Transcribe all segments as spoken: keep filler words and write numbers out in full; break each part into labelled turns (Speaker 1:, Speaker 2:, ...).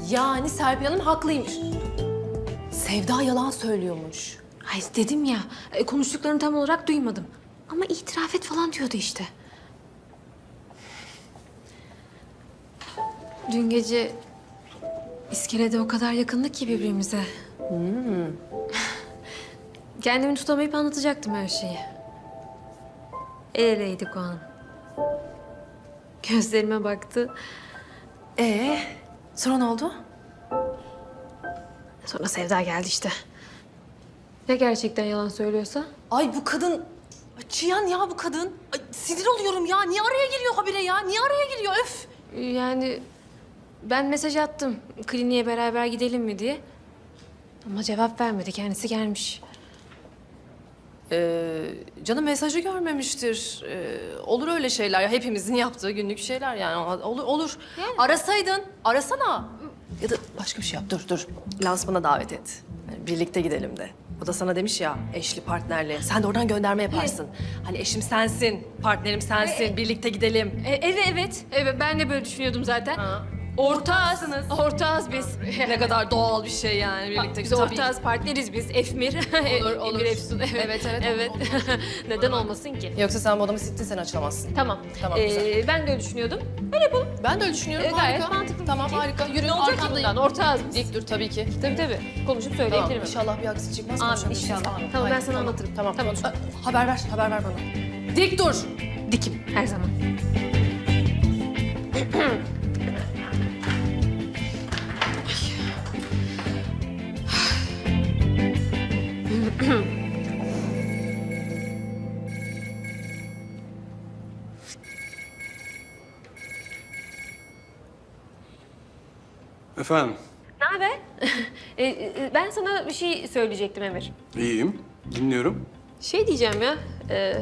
Speaker 1: Yani Serpil Hanım haklıymış. Sevda yalan söylüyormuş.
Speaker 2: Ay dedim ya, e, konuştuklarını tam olarak duymadım. Ama itiraf et falan diyordu işte. Dün gece iskelede o kadar yakındık ki birbirimize. Hmm. Kendimi tutamayıp anlatacaktım her şeyi. El eleydik o an. Gözlerime baktı.
Speaker 1: Ee, sonra ne oldu?
Speaker 2: Sonra Sevda geldi işte. Ya gerçekten yalan söylüyorsa?
Speaker 1: Ay bu kadın, ay çiyan ya bu kadın. Ay, sinir oluyorum ya. Niye araya giriyor habire ya? Niye araya giriyor? Öf.
Speaker 2: Yani ben mesaj attım kliniğe beraber gidelim mi diye. Ama cevap vermedi. Kendisi gelmiş.
Speaker 1: Ee, canım mesajı görmemiştir. Ee, olur öyle şeyler ya. Hepimizin yaptığı günlük şeyler yani. Olur, olur.
Speaker 2: Yani.
Speaker 1: Arasaydın, arasana. Ya da başka bir şey yap. Dur, dur. Lansmana davet et. Yani birlikte gidelim de. O da sana demiş ya, eşli partnerli. Sen de oradan gönderme yaparsın. Hani eşim sensin, partnerim sensin, birlikte gidelim.
Speaker 2: E, evet evet. Evet, ben de böyle düşünüyordum zaten.
Speaker 1: Ha.
Speaker 2: Ortağız. Ortağız biz.
Speaker 1: Ne kadar doğal bir şey yani birlikte.
Speaker 2: Biz
Speaker 1: Tabii.
Speaker 2: ortağız, partneriz biz. Efmir.
Speaker 1: Olur, olur.
Speaker 2: Emir Efsun. Evet,
Speaker 1: Evet, evet,
Speaker 2: evet.
Speaker 1: olur,
Speaker 2: Neden olmasın ki?
Speaker 1: Yoksa sen bu adamı sittin, sen açılamazsın.
Speaker 2: Tamam.
Speaker 1: Tamam,
Speaker 2: Ee,
Speaker 1: güzel.
Speaker 2: ben de öyle düşünüyordum.
Speaker 1: Ben de öyle düşünüyorum.
Speaker 2: Ee, gayet
Speaker 1: harika.
Speaker 2: mantıklı.
Speaker 1: Tamam, harika. Yürü,
Speaker 2: Ne olacak ki
Speaker 1: arkandayım.
Speaker 2: bundan? Ortağız biz.
Speaker 1: Dik dur tabii ki.
Speaker 2: Tabii tabii. Konuşup
Speaker 1: Tamam,
Speaker 2: söyleyebilirim.
Speaker 1: inşallah bir aksi çıkmaz.
Speaker 2: Amin,
Speaker 1: konuşabiliriz.
Speaker 2: inşallah.
Speaker 1: Amin.
Speaker 2: Tamam, ben
Speaker 1: Haydi,
Speaker 2: sana anlatırım.
Speaker 1: Tamam,
Speaker 2: Tamam.
Speaker 1: konuş. Aa, haber ver, haber ver bana. Dik dur.
Speaker 2: Dikim her zaman.
Speaker 3: Efendim,
Speaker 2: Ne haber? Ee, e, ben sana bir şey söyleyecektim Emir.
Speaker 3: iyiyim. Dinliyorum.
Speaker 2: Şey diyeceğim ya. e,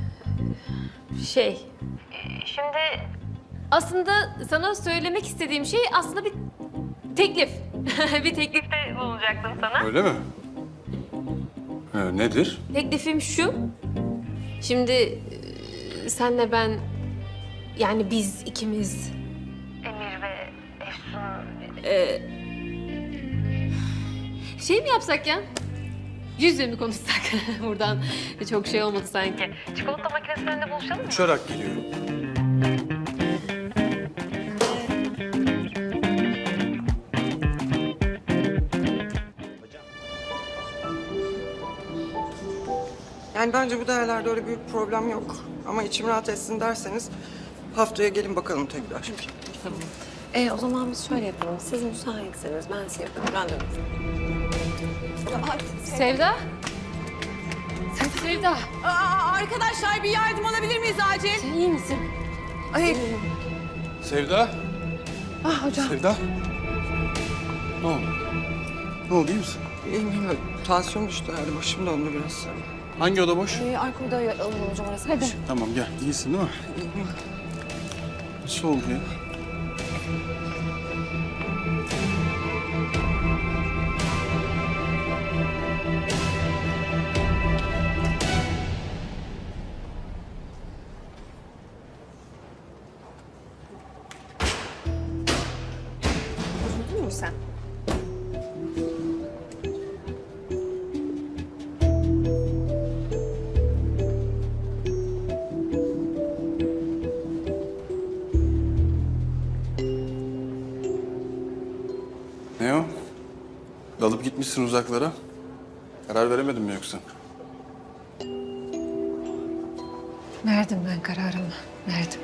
Speaker 2: şey. Şimdi aslında sana söylemek istediğim şey aslında bir teklif. bir teklifte bulunacaktım sana.
Speaker 3: Öyle mi? Ee, nedir?
Speaker 2: Teklifim şu. Şimdi e, senle ben, yani biz ikimiz. Emir ve Efsun. E, şey mi yapsak ya? Yüz yüze mi konuşsak? Buradan çok şey olmadı sanki. Çikolata makinesinin önünde buluşalım mı?
Speaker 3: Uçarak geliyorum.
Speaker 4: Yani bence bu değerlerde öyle büyük problem yok. Ama içim rahat etsin derseniz haftaya gelin bakalım tekrar.
Speaker 5: E o zaman biz şöyle yapalım. Siz müsaitseniz ben size yapayım. Ben de
Speaker 2: Sevda? Sevda,
Speaker 6: Aa, arkadaşlar bir yardım alabilir miyiz acil?
Speaker 2: sen iyi misin?
Speaker 6: Ay,
Speaker 3: Sevda.
Speaker 6: ah hocam.
Speaker 3: Sevda. Ne oldu? Ne oldu, iyi misin?
Speaker 4: İyiyim iyiyim. Tansiyon düştü herhalde. Başım döndü biraz.
Speaker 3: Hangi oda boş?
Speaker 6: Ee, arka odaya alalım hocam orası. Hadi.
Speaker 3: Tamam, gel. İyisin değil mi?
Speaker 4: İyiyim.
Speaker 3: Nasıl oldu ya?
Speaker 5: Üzüldün mü sen?
Speaker 3: Ne o? Dalıp gitmişsin uzaklara. Karar veremedin mi yoksa?
Speaker 2: Verdim ben kararımı, verdim.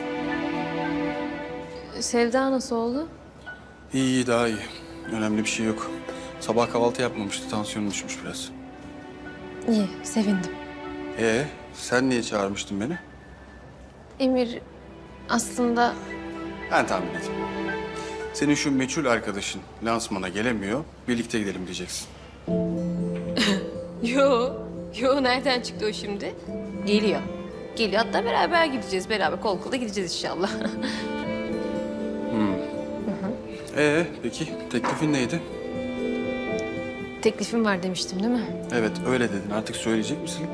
Speaker 2: Sevda nasıl oldu?
Speaker 3: İyi, iyi, daha iyi. Önemli bir şey yok. Sabah kahvaltı yapmamıştı, tansiyonu düşmüş biraz.
Speaker 2: İyi, sevindim.
Speaker 3: Ee, sen niye çağırmıştın beni?
Speaker 2: Emir aslında
Speaker 3: Ben tahmin edeyim. Senin şu meçhul arkadaşın lansmana gelemiyor, birlikte gidelim diyeceksin.
Speaker 2: Yo, yo nereden çıktı o şimdi? Geliyor. Geliyor, hatta beraber gideceğiz. Beraber kol kola gideceğiz inşallah.
Speaker 3: Ee, peki teklifin neydi?
Speaker 2: Teklifim var demiştim değil mi?
Speaker 3: Evet, öyle dedin. Artık söyleyecek misin?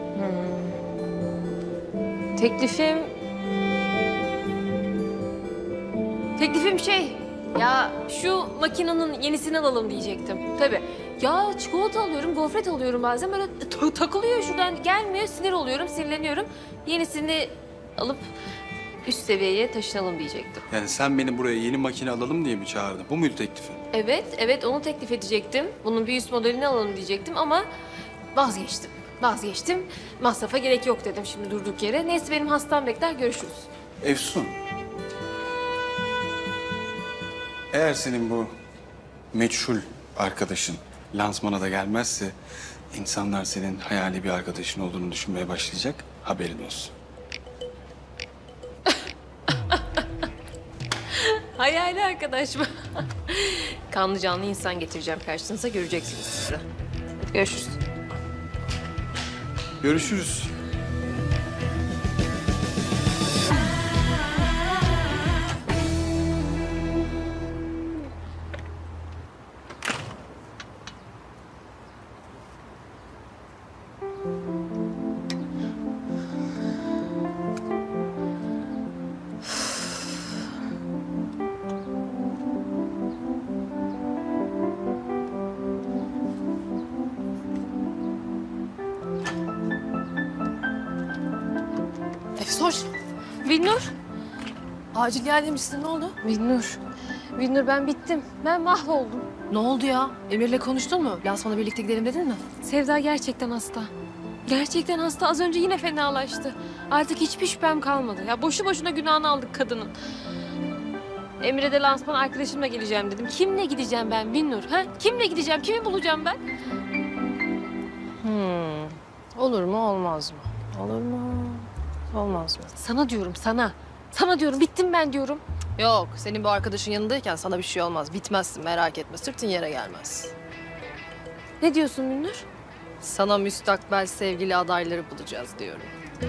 Speaker 2: Teklifim... Teklifim şey, Ya şu makinenin yenisini alalım diyecektim. Tabii. Ya çikolata alıyorum, gofret alıyorum bazen böyle ta- takılıyor şuradan gelmiyor. Sinir oluyorum, sinirleniyorum. Yenisini alıp üst seviyeye taşınalım diyecektim.
Speaker 3: Yani sen beni buraya yeni makine alalım diye mi çağırdın? Bu muydu teklifin?
Speaker 2: Evet, evet onu teklif edecektim. Bunun bir üst modelini alalım diyecektim ama vazgeçtim. Vazgeçtim. Masrafa gerek yok dedim şimdi durduk yere. Neyse benim hastam bekler, görüşürüz.
Speaker 3: Efsun. Eğer senin bu meçhul arkadaşın lansmana da gelmezse insanlar senin hayali bir arkadaşın olduğunu düşünmeye başlayacak. Haberin olsun.
Speaker 2: Hayali arkadaş mı? Kanlı canlı insan getireceğim karşınıza, göreceksiniz siz de. Görüşürüz.
Speaker 3: Görüşürüz.
Speaker 1: Efsoş,
Speaker 2: Binnur.
Speaker 1: acil gel demişsin. Ne oldu?
Speaker 2: Binnur. Binnur ben bittim. Ben mahvoldum.
Speaker 1: Ne oldu ya? Emir'le konuştun mu? Lansmana birlikte gidelim dedin mi?
Speaker 2: Sevda gerçekten hasta. Gerçekten hasta. Az önce yine fenalaştı. Artık hiçbir şüphem kalmadı. Ya boşu boşuna günahını aldık kadının. Emre de lansman arkadaşımla geleceğim dedim. Kimle gideceğim ben Binnur? Ha? Kimle gideceğim? Kimi bulacağım ben?
Speaker 1: Hmm. Olur mu, olmaz mı? Olur mu, olmaz mı?
Speaker 2: Sana diyorum sana. Sana diyorum bittim ben diyorum.
Speaker 1: Yok, senin bu arkadaşın yanındayken sana bir şey olmaz. Bitmezsin, merak etme. Sırtın yere gelmez.
Speaker 2: Ne diyorsun Binnur?
Speaker 1: Sana müstakbel sevgili adayları bulacağız diyorum.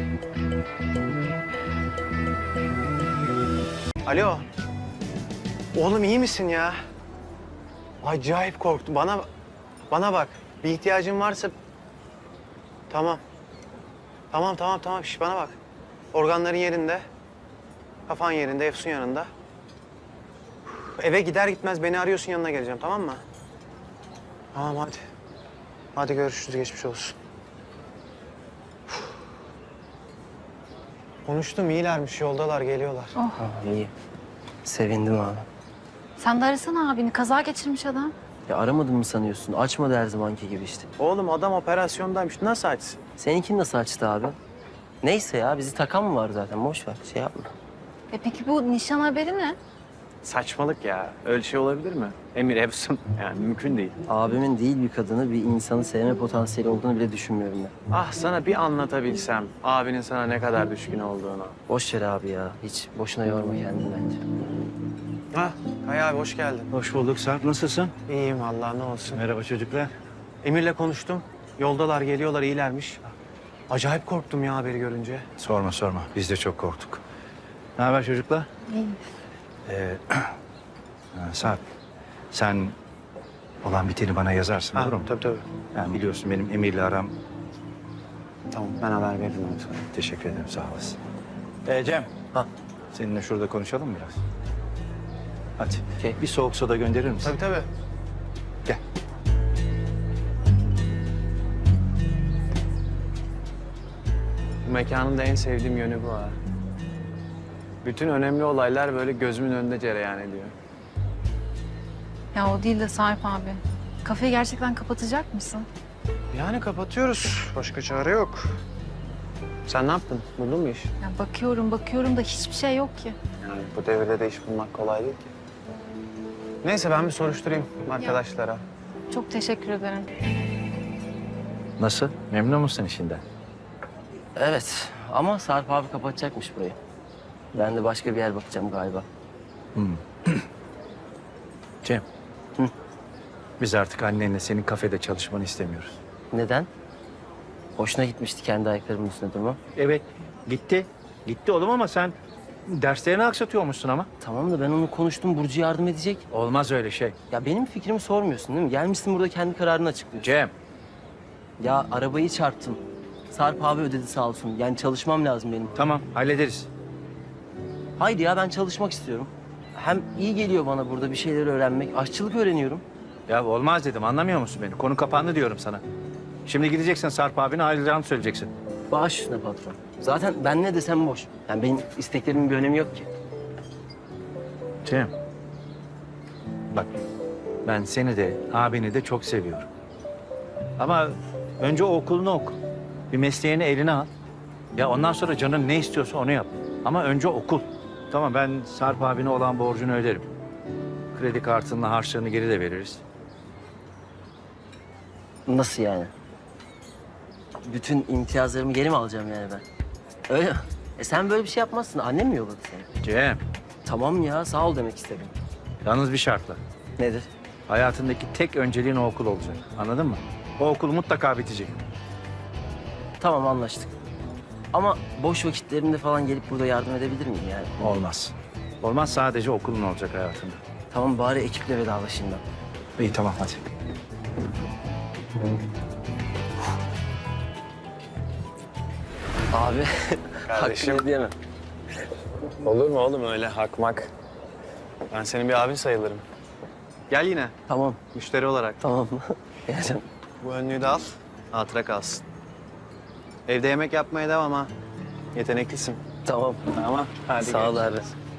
Speaker 7: Alo. Oğlum iyi misin ya? Acayip korktum. Bana bana bak. Bir ihtiyacın varsa tamam. Tamam tamam tamam. Şş, bana bak. Organların yerinde. Kafan yerinde, Efsun yanında. Eve gider gitmez beni arıyorsun, yanına geleceğim, tamam mı? Tamam hadi. Hadi görüşürüz, geçmiş olsun. Konuştum, iyilermiş, yoldalar, geliyorlar.
Speaker 8: İyi. Sevindim abi.
Speaker 6: Sen de arasana abini. Kaza geçirmiş adam.
Speaker 8: Ya aramadın mı sanıyorsun? Açmadı her zamanki gibi işte.
Speaker 7: Oğlum adam operasyondaymış, nasıl açsın?
Speaker 8: Seninkini nasıl açtı abi? Neyse ya bizi takan mı var zaten? Boş ver şey yapma.
Speaker 6: E peki bu nişan haberi ne?
Speaker 7: Saçmalık ya. Öyle şey olabilir mi? Emir, Efsun. Yani mümkün değil.
Speaker 8: Abimin değil bir kadını bir insanı sevme potansiyeli olduğunu bile düşünmüyorum ben.
Speaker 7: Ah sana bir anlatabilsem abinin sana ne kadar düşkün olduğunu.
Speaker 8: Boş ver abi ya. Hiç boşuna yorma kendini bence.
Speaker 7: Ha, Kaya abi hoş geldin.
Speaker 9: Hoş bulduk Sarp. Nasılsın?
Speaker 7: İyiyim vallahi, ne olsun.
Speaker 9: Merhaba çocuklar.
Speaker 7: Emir'le konuştum. Yoldalar, geliyorlar, iyilermiş. Acayip korktum ya haberi görünce.
Speaker 9: Sorma sorma. Biz de çok korktuk. Ne haber çocuklar?
Speaker 6: İyi.
Speaker 9: Ee, ha, Sarp, sen olan biteni bana yazarsın,
Speaker 7: Ha,
Speaker 9: olur mu?
Speaker 7: tabii tabii.
Speaker 9: Yani biliyorsun benim Emir'le aram...
Speaker 7: Tamam, ben haber veririm onu sana.
Speaker 9: Teşekkür ederim, sağ olasın. Ee, Cem,
Speaker 8: Ha.
Speaker 9: seninle şurada konuşalım mı biraz? Hadi.
Speaker 8: Okey.
Speaker 9: Bir soğuk soda gönderir misin?
Speaker 7: Tabii tabii.
Speaker 9: Gel.
Speaker 7: Bu mekanın da en sevdiğim yönü bu ha. Bütün önemli olaylar böyle gözümün önünde cereyan ediyor.
Speaker 6: Ya o değil de Sarp abi. Kafeyi gerçekten kapatacak mısın?
Speaker 7: Yani kapatıyoruz. Başka çare yok. Sen ne yaptın? Buldun mu iş?
Speaker 6: Ya bakıyorum bakıyorum da hiçbir şey yok ki.
Speaker 7: Yani bu devirde de iş bulmak kolay değil ki. Neyse ben bir soruşturayım arkadaşlara.
Speaker 6: Çok teşekkür ederim.
Speaker 9: Nasıl? Memnun musun işinden?
Speaker 8: Evet ama Sarp abi kapatacakmış burayı. Ben de başka bir yer bakacağım galiba.
Speaker 9: Cem.
Speaker 8: Hı?
Speaker 9: Biz artık annenle senin kafede çalışmanı istemiyoruz.
Speaker 8: Neden? Hoşuna gitmişti kendi ayaklarımın üstünde durma.
Speaker 9: Evet, gitti. Gitti oğlum ama sen derslerini aksatıyormuşsun ama.
Speaker 8: Tamam da ben onu konuştum. Burcu yardım edecek.
Speaker 9: Olmaz öyle şey.
Speaker 8: Ya benim fikrimi sormuyorsun değil mi? Gelmişsin burada kendi kararını açıklıyorsun.
Speaker 9: Cem.
Speaker 8: Ya arabayı çarptım. Sarp abi ödedi sağ olsun. Yani çalışmam lazım benim.
Speaker 9: Tamam, hallederiz.
Speaker 8: Haydi ya ben çalışmak istiyorum. hem iyi geliyor bana burada bir şeyler öğrenmek. Aşçılık öğreniyorum.
Speaker 9: Ya olmaz dedim, anlamıyor musun beni? Konu kapandı diyorum sana. Şimdi gideceksin Sarp abine ayrılacağını söyleyeceksin.
Speaker 8: Baş üstüne patron. Zaten ben ne desem boş. Yani benim isteklerimin bir önemi yok ki.
Speaker 9: Cem. Bak, ben seni de abini de çok seviyorum. Ama önce o okulunu oku. Bir mesleğini eline al. Ya ondan sonra canın ne istiyorsa onu yap. Ama önce okul. Tamam, ben Sarp abine olan borcunu öderim. Kredi kartınla harçlığını geri de veririz.
Speaker 8: Nasıl yani? Bütün imtiyazlarımı geri mi alacağım yani ben? Öyle mi? E sen böyle bir şey yapmazsın. Annem mi yolladı seni?
Speaker 9: Cem,
Speaker 8: Tamam ya, sağ ol demek istedim.
Speaker 9: yalnız bir şartla.
Speaker 8: Nedir?
Speaker 9: Hayatındaki tek önceliğin o okul olacak. Anladın mı? O okul mutlaka bitecek.
Speaker 8: Tamam, anlaştık. Ama boş vakitlerimde falan gelip burada yardım edebilir miyim yani?
Speaker 9: Olmaz. Olmaz, sadece okulun olacak hayatında.
Speaker 8: Tamam, bari ekiple vedalaşayım ben.
Speaker 9: İyi, tamam, hadi.
Speaker 8: Abi,
Speaker 7: Kardeşim.
Speaker 8: hakkını diyemem.
Speaker 7: Olur mu oğlum öyle hakmak? Ben senin bir abin sayılırım. Gel yine
Speaker 8: Tamam,
Speaker 7: müşteri olarak.
Speaker 8: tamam. Geleceğim.
Speaker 7: Bu önlüğü de al, hatıra kalsın. Evde yemek yapmaya devam ha. Yeteneklisin.
Speaker 8: Tamam.
Speaker 7: Tamam, hadi
Speaker 8: Sağ ol abi.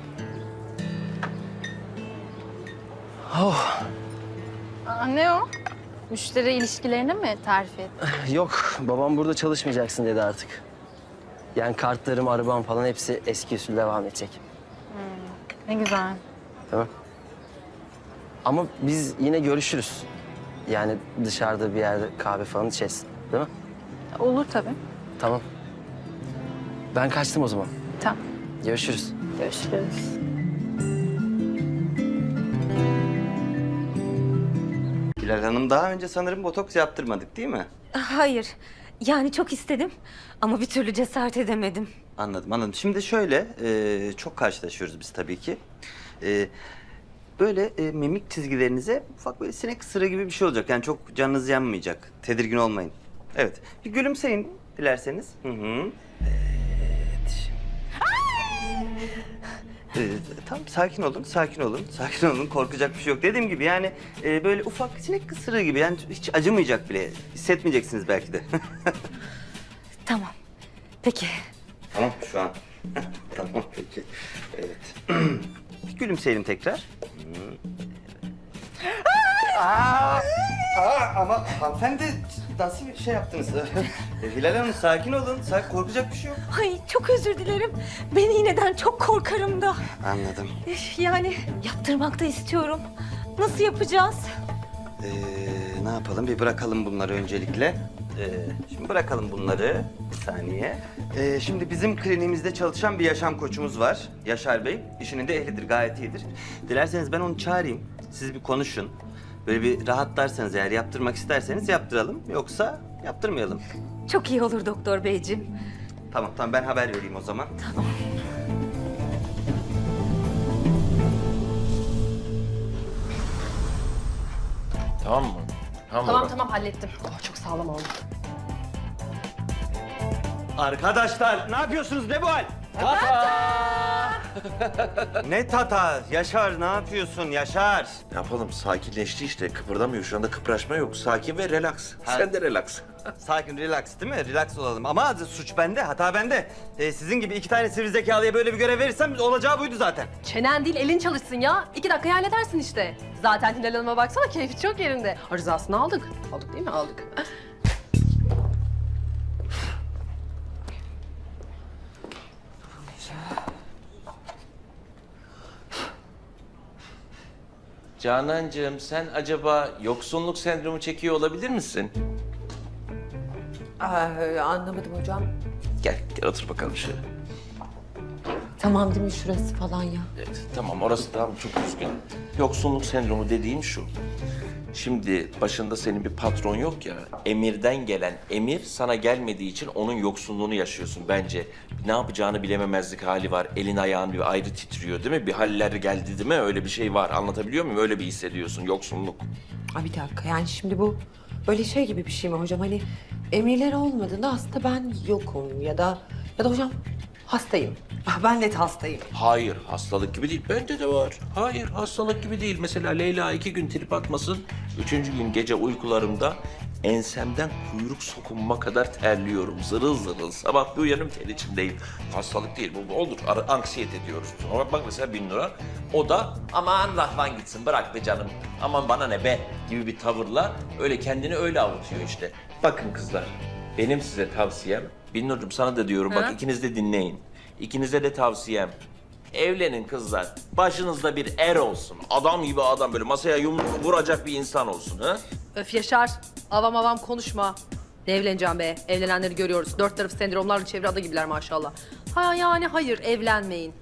Speaker 8: Oh,
Speaker 6: Aa, ne o? Müşteri ilişkilerini mi terfi et?
Speaker 8: yok, babam burada çalışmayacaksın dedi artık. Yani kartlarım, arabam falan hepsi eski usul devam edecek.
Speaker 6: Ne güzel.
Speaker 8: Tamam. Ama biz yine görüşürüz. Yani dışarıda bir yerde kahve falan içeriz. Değil mi?
Speaker 6: Olur tabii.
Speaker 8: Tamam. Ben kaçtım o zaman.
Speaker 6: Tamam.
Speaker 8: Görüşürüz.
Speaker 6: Görüşürüz.
Speaker 10: Hilal Hanım, daha önce sanırım botoks yaptırmadık değil mi?
Speaker 11: Hayır. Yani çok istedim ama bir türlü cesaret edemedim.
Speaker 10: Anladım, anladım. Şimdi şöyle, e, çok karşılaşıyoruz biz tabii ki. E, böyle e, mimik çizgilerinize ufak böyle sinek ısırığı gibi bir şey olacak. Yani çok canınız yanmayacak. Tedirgin olmayın. Evet, bir gülümseyin dilerseniz. Hı hı. Evet. Ee, tamam, sakin olun, sakin olun, sakin olun. Korkacak bir şey yok. Dediğim gibi yani e, böyle ufak sinek ısırığı gibi. Yani hiç acımayacak bile. Hissetmeyeceksiniz belki de.
Speaker 11: Tamam. Peki.
Speaker 10: Tamam, şu an. Tamam, peki. Evet. Bir gülümseyelim tekrar. Hı. Aa, aa, ama hanımefendi nasıl bir şey yaptınız? E, Hilal Hanım, sakin olun. Sakin, korkacak bir şey yok.
Speaker 11: Ay çok özür dilerim. Ben iğneden çok korkarım da.
Speaker 10: Anladım.
Speaker 11: Üf, Yani yaptırmak da istiyorum. Nasıl yapacağız?
Speaker 10: Ee, ne yapalım? Bir bırakalım bunları öncelikle. Ee, şimdi bırakalım bunları. Bir saniye. Ee, şimdi bizim kliniğimizde çalışan bir yaşam koçumuz var. Yaşar Bey. İşinin de ehlidir, gayet iyidir. Dilerseniz ben onu çağırayım. Siz bir konuşun. Böyle bir rahatlarsanız, eğer yaptırmak isterseniz yaptıralım. Yoksa yaptırmayalım.
Speaker 11: Çok iyi olur doktor beyciğim.
Speaker 10: Tamam, tamam. Ben haber vereyim o zaman.
Speaker 8: Tamam mı?
Speaker 1: Tamam tamam hallettim. Oh, çok sağlam oldu.
Speaker 10: Arkadaşlar, ne yapıyorsunuz? Ne bu hal? Tata! Ne tata? Yaşar, ne yapıyorsun Yaşar?
Speaker 12: Ne yapalım? Sakinleşti işte. Kıpırdamıyor. Şu anda kıpraşma yok. Sakin ve relax.
Speaker 10: Ha.
Speaker 12: Sen de relax.
Speaker 10: Sakin, relax değil mi? Relax olalım. Ama suç bende, hata bende. Ee, sizin gibi iki tane sivri zekalıya böyle bir görev verirsem olacağı buydu zaten.
Speaker 1: Çenen değil elin çalışsın ya. İki dakikaya halledersin işte. Zaten Hilal Hanım'a baksana keyfi çok yerinde. Rızasını aldık. Aldık değil mi? Aldık.
Speaker 12: Canancığım, sen acaba yoksunluk sendromu çekiyor olabilir misin?
Speaker 5: Aa, anlamadım hocam.
Speaker 12: Gel, gel otur bakalım şöyle.
Speaker 5: Tamam değil mi şurası falan ya?
Speaker 12: Evet, tamam orası tamam, çok üzgün. Yoksunluk sendromu dediğim şu. Şimdi başında senin bir patron yok ya, emirden gelen emir sana gelmediği için onun yoksunluğunu yaşıyorsun bence. Ne yapacağını bilememezlik hali var, elin ayağın bir ayrı titriyor değil mi? Bir haller geldi değil mi? Öyle bir şey var, anlatabiliyor muyum? Öyle bir hissediyorsun, yoksunluk.
Speaker 5: Aa, bir dakika yani şimdi bu böyle şey gibi bir şey mi hocam? Hani emirler olmadığında aslında ben yokum ya da ya da hocam
Speaker 13: Hastayım. Ah, ben net hastayım.
Speaker 12: Hayır, hastalık gibi değil. Bende de var. Hayır, hastalık gibi değil. Mesela Leyla iki gün trip atmasın. Üçüncü gün gece uykularımda ensemden kuyruk sokunma kadar terliyorum. Zırıl zırıl. Sabah bir uyanım ter içindeyim. Hastalık değil. Bu, bu olur. Ar- anksiyete diyoruz. Ama bak mesela Bin Nur'a. O da aman Rahman gitsin bırak be canım. Aman bana ne be gibi bir tavırla öyle kendini öyle avutuyor işte. Bakın kızlar, benim size tavsiyem. Bin Nur'cum sana da diyorum. Bak ikiniz de dinleyin. İkinize de tavsiyem. Evlenin kızlar. Başınızda bir er olsun. Adam gibi adam böyle masaya yumruk vuracak bir insan olsun. Ha?
Speaker 1: Öf Yaşar, avam avam konuşma. Ne evleneceğim be? Evlenenleri görüyoruz. Dört tarafı sendromlarla çevre ada gibiler maşallah. Ha yani hayır, evlenmeyin.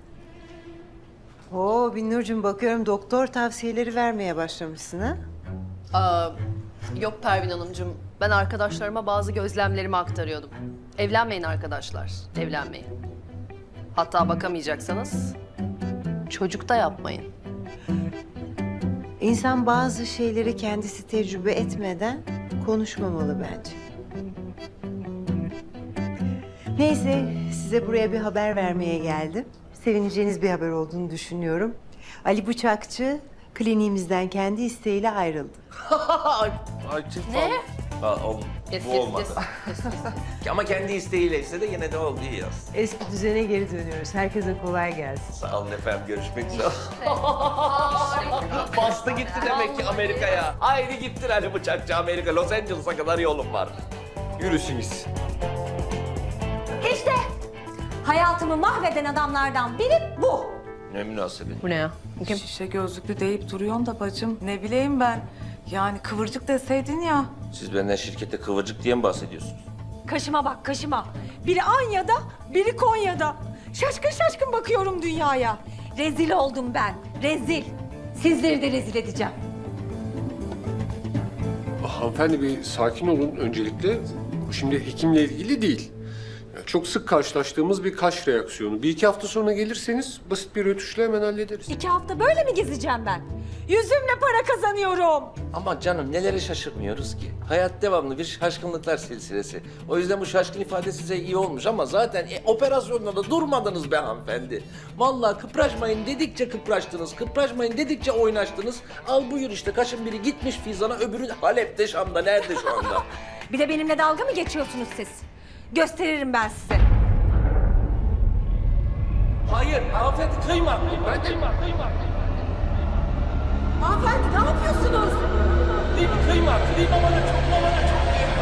Speaker 13: Oo Binnurcuğum, bakıyorum doktor tavsiyeleri vermeye başlamışsın ha?
Speaker 1: Aa, yok Pervin Hanımcığım. Ben arkadaşlarıma bazı gözlemlerimi aktarıyordum. Evlenmeyin arkadaşlar, evlenmeyin. Hatta bakamayacaksanız çocuk da yapmayın.
Speaker 13: İnsan bazı şeyleri kendisi tecrübe etmeden konuşmamalı bence. Neyse, size buraya bir haber vermeye geldim. Sevineceğiniz bir haber olduğunu düşünüyorum. Ali Bıçakçı kliniğimizden kendi isteğiyle ayrıldı.
Speaker 1: Ne?
Speaker 12: Ha, ol,
Speaker 1: Kes,
Speaker 12: bu
Speaker 1: kes,
Speaker 12: olmadı.
Speaker 1: kes, kes, kes.
Speaker 12: Ama kendi isteğiyle ise de yine de oldu iyi yaz.
Speaker 13: Eski düzene geri dönüyoruz. Herkese kolay gelsin.
Speaker 12: Sağ olun efendim. Görüşmek üzere. Bastı gitti demek ki Amerika'ya. Haydi gittin Ali Bıçakçı Amerika. Los Angeles'a kadar yolum var. Yürüsünüz.
Speaker 11: İşte hayatımı mahveden adamlardan biri bu.
Speaker 12: Ne münasebet.
Speaker 1: Bu ne ya?
Speaker 14: Şişe gözlüklü deyip duruyorsun da bacım. Ne bileyim ben. Yani kıvırcık deseydin ya.
Speaker 12: Siz benden şirkette kıvırcık diye mi bahsediyorsunuz?
Speaker 11: Kaşıma bak kaşıma. Biri Anya'da, biri Konya'da. Şaşkın şaşkın bakıyorum dünyaya. Rezil oldum ben, rezil. Sizleri de rezil edeceğim.
Speaker 15: Hanımefendi bir sakin olun öncelikle. Bu şimdi hekimle ilgili değil. Yani çok sık karşılaştığımız bir kaş reaksiyonu. Bir iki hafta sonra gelirseniz basit bir rötuşla hemen hallederiz.
Speaker 11: İki hafta böyle mi gezeceğim ben? Yüzümle para kazanıyorum.
Speaker 12: Ama canım nelere şaşırmıyoruz ki? Hayat devamlı bir şaşkınlıklar silsilesi. O yüzden bu şaşkın ifade size iyi olmuş ama zaten e, operasyonda da durmadınız be hanımefendi. Vallahi kıpraşmayın dedikçe kıpraştınız, kıpraşmayın dedikçe oynaştınız. Al buyur işte kaşın biri gitmiş Fizan'a, öbürü Halep'te, Şam'da, nerede şu anda?
Speaker 11: Bir de benimle dalga mı geçiyorsunuz siz? Gösteririm ben size.
Speaker 12: Hayır, hanımefendi kıyma. Ben kıyma, kıyma.
Speaker 11: Hanımefendi ne yapıyorsunuz?
Speaker 12: Kıyma, kıyma, kıyma bana çok, bana çok kıyma.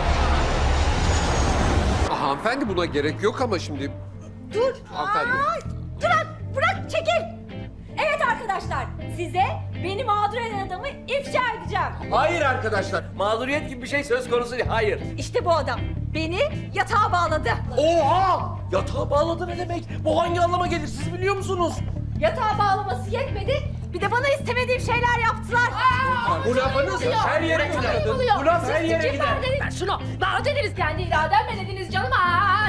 Speaker 15: Ah, hanımefendi buna gerek yok ama şimdi...
Speaker 11: Dur.
Speaker 15: Hanımefendi.
Speaker 11: Ay, bırak, bırak, çekil. Evet arkadaşlar, size beni mağdur eden adamı ifşa edeceğim.
Speaker 12: Hayır arkadaşlar, mağduriyet gibi bir şey söz konusu değil, hayır.
Speaker 11: İşte bu adam beni yatağa bağladı.
Speaker 12: Oha! Yatağa bağladı ne demek? Bu hangi anlama gelir siz biliyor musunuz?
Speaker 11: Yatağa bağlaması yetmedi, bir de bana istemediğim şeyler yaptılar.
Speaker 12: Bu lafınız her yere gider. Bu laf her yere gider.
Speaker 2: Ben şunu bana dediniz kendi irademle dediniz canım. Aa,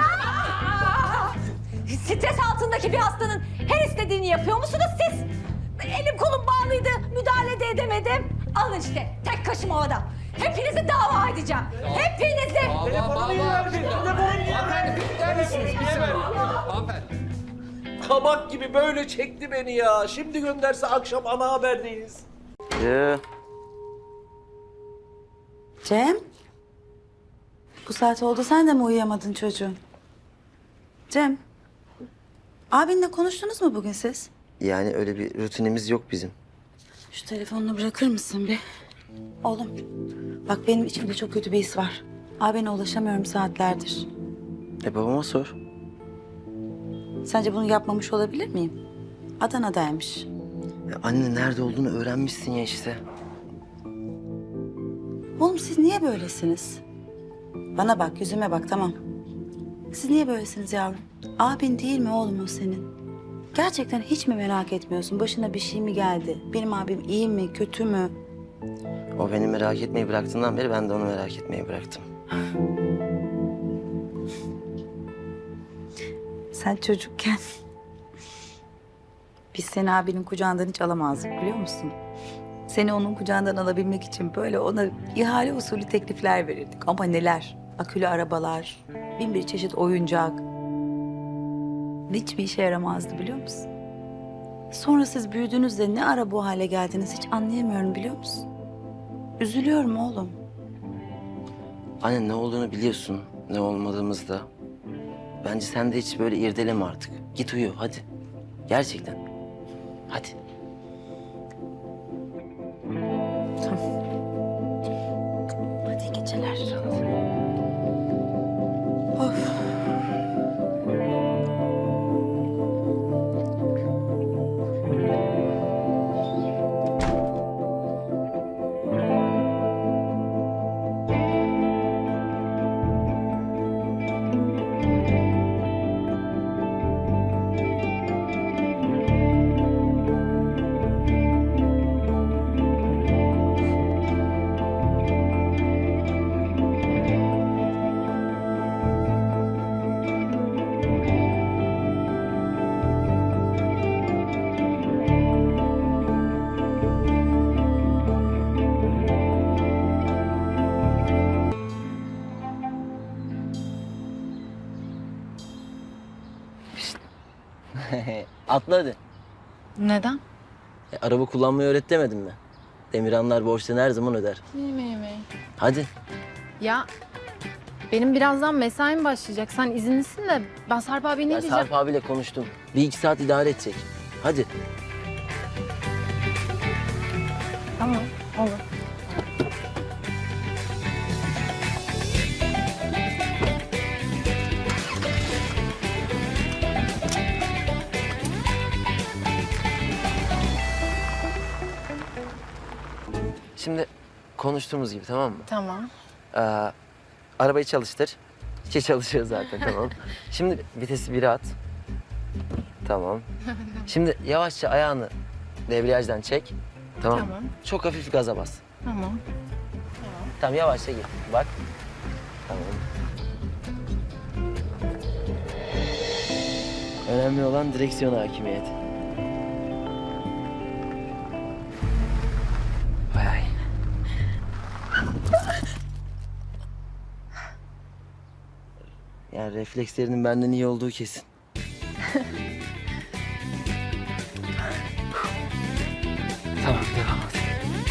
Speaker 11: Stres altındaki bir hastanın her istediğini yapıyor musunuz siz? Elim kolum bağlıydı, müdahale de edemedim. Alın işte, tek kaşım havada. Hepinizi dava edeceğim. Hepinizi.
Speaker 12: Telefonumu iyi verdi. Telefonumu iyi verdi. Neredesiniz? Hanımefendi. Kabak gibi böyle çekti beni ya. Şimdi gönderse akşam ana haberdeyiz.
Speaker 8: Ee,
Speaker 14: Cem. Bu saat oldu sen de mi uyuyamadın çocuğum? Cem. Abinle konuştunuz mu bugün siz?
Speaker 8: yani öyle bir rutinimiz yok bizim.
Speaker 14: Şu telefonunu bırakır mısın bir? Oğlum, bak benim içimde çok kötü bir his var. Abine ulaşamıyorum saatlerdir.
Speaker 8: E babama sor.
Speaker 14: Sence bunu yapmamış olabilir miyim? Adana'daymış.
Speaker 8: Ya anne nerede olduğunu öğrenmişsin ya işte.
Speaker 14: Oğlum siz niye böylesiniz? Bana bak, yüzüme bak, tamam. Siz niye böylesiniz yavrum? Abin değil mi oğlum o senin? Gerçekten hiç mi merak etmiyorsun? Başına bir şey mi geldi? Benim abim iyi mi, kötü mü?
Speaker 8: O beni merak etmeyi bıraktığından beri ben de onu merak etmeyi bıraktım.
Speaker 14: Sen çocukken biz seni abinin kucağından hiç alamazdık biliyor musun? Seni onun kucağından alabilmek için böyle ona ihale usulü teklifler verirdik. Ama neler? Akülü arabalar, bin bir çeşit oyuncak. hiçbir işe yaramazdı biliyor musun? Sonra siz büyüdüğünüzde ne ara bu hale geldiniz hiç anlayamıyorum biliyor musun? Üzülüyorum oğlum.
Speaker 8: Anne ne olduğunu biliyorsun, ne olmadığımızda. Bence sen de hiç böyle irdeleme artık. Git uyu hadi. Gerçekten. Hadi.
Speaker 14: Hadi iyi geceler. Of.
Speaker 8: Atla hadi.
Speaker 6: Neden?
Speaker 8: E, araba kullanmayı öğret demedim mi? Demirhanlar borçlarını her zaman öder.
Speaker 6: Yemeği yemeği.
Speaker 8: Hadi.
Speaker 6: Ya benim birazdan mesaim başlayacak. Sen izinlisin de ben Sarp abi ne
Speaker 8: Ben
Speaker 6: diyeceğim?
Speaker 8: Sarp abiyle konuştum. Bir iki saat idare edecek. Hadi.
Speaker 6: Tamam, olur.
Speaker 8: Şimdi konuştuğumuz gibi tamam mı?
Speaker 6: Tamam.
Speaker 8: Ee, arabayı çalıştır. Ki çalışıyor zaten tamam. Şimdi vitesi bire at. Tamam. Şimdi yavaşça ayağını debriyajdan çek. Tamam.
Speaker 6: Tamam.
Speaker 8: Çok hafif gaza bas.
Speaker 6: Tamam.
Speaker 8: Tamam yavaşça git. Bak. Tamam. Önemli olan direksiyon hakimiyeti. Vay ay. Yani reflekslerinin benden iyi olduğu kesin. Tamam devam et.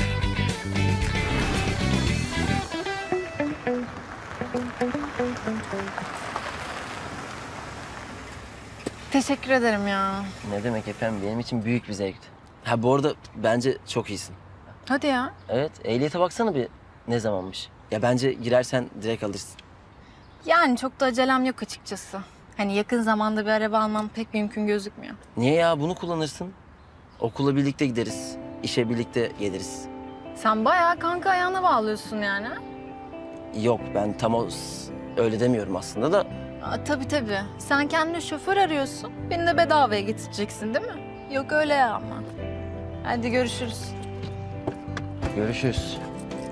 Speaker 6: Teşekkür ederim ya.
Speaker 8: Ne demek efendim benim için büyük bir zevkti. Ha bu arada bence çok iyisin.
Speaker 6: Hadi ya.
Speaker 8: Evet ehliyete baksana bir ne zamanmış. Ya bence girersen direkt alırsın.
Speaker 6: Yani çok da acelem yok açıkçası. Hani yakın zamanda bir araba almam pek mümkün gözükmüyor.
Speaker 8: Niye ya bunu kullanırsın? Okula birlikte gideriz. İşe birlikte geliriz.
Speaker 6: Sen bayağı kanka ayağına bağlıyorsun yani. ha?
Speaker 8: Yok ben tam o s- öyle demiyorum aslında da.
Speaker 6: Aa, tabii tabii. Sen kendine şoför arıyorsun. Beni de bedavaya getireceksin değil mi? Yok öyle ya ama. Hadi görüşürüz.
Speaker 8: Görüşürüz.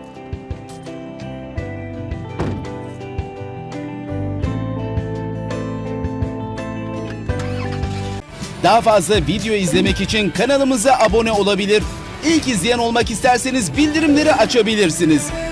Speaker 16: Daha fazla video izlemek için kanalımıza abone olabilir. İlk izleyen olmak isterseniz bildirimleri açabilirsiniz.